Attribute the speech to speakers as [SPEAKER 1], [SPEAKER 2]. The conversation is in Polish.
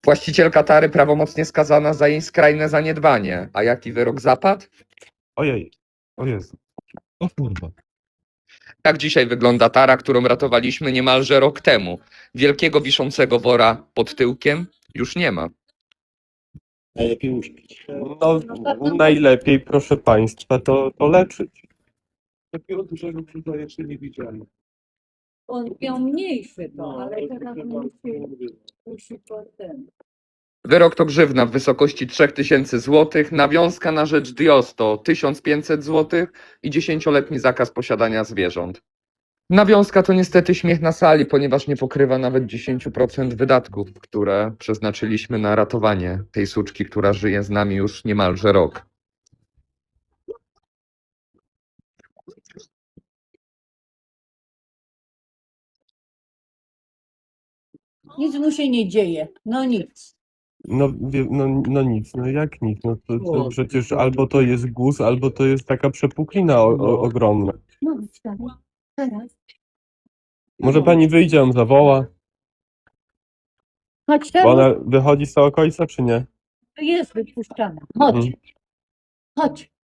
[SPEAKER 1] Właścicielka tary prawomocnie skazana za jej skrajne zaniedbanie. A jaki wyrok zapadł?
[SPEAKER 2] Ojej, o Jezu. O kurwa.
[SPEAKER 1] Tak dzisiaj wygląda tara, którą ratowaliśmy niemalże rok temu. Wielkiego wiszącego wora pod tyłkiem już nie ma.
[SPEAKER 3] Najlepiej uśpić.
[SPEAKER 2] No, najlepiej, proszę państwa, to leczyć.
[SPEAKER 3] Takiego dużego krzyża jeszcze nie widziałem.
[SPEAKER 4] On miał mniejszy to,
[SPEAKER 3] No,
[SPEAKER 4] ale teraz musi potem.
[SPEAKER 1] Wyrok to grzywna w wysokości 3000 zł, nawiązka na rzecz DIOS to 1500 zł i 10-letni zakaz posiadania zwierząt. Nawiązka to niestety śmiech na sali, ponieważ nie pokrywa nawet 10% wydatków, które przeznaczyliśmy na ratowanie tej suczki, która żyje z nami już niemalże rok.
[SPEAKER 4] Nic mu się nie dzieje, no nic.
[SPEAKER 2] No nic, no jak nic, no to przecież albo to jest guz, albo to jest taka przepuklina ogromna.
[SPEAKER 4] No wstawaj, teraz.
[SPEAKER 2] Może pani wyjdzie, on zawoła,
[SPEAKER 4] Chodź
[SPEAKER 2] bo
[SPEAKER 4] teraz,
[SPEAKER 2] ona wychodzi z tego końca, czy nie?
[SPEAKER 4] jest wypuszczana. Chodź,
[SPEAKER 2] Mhm.
[SPEAKER 4] chodź.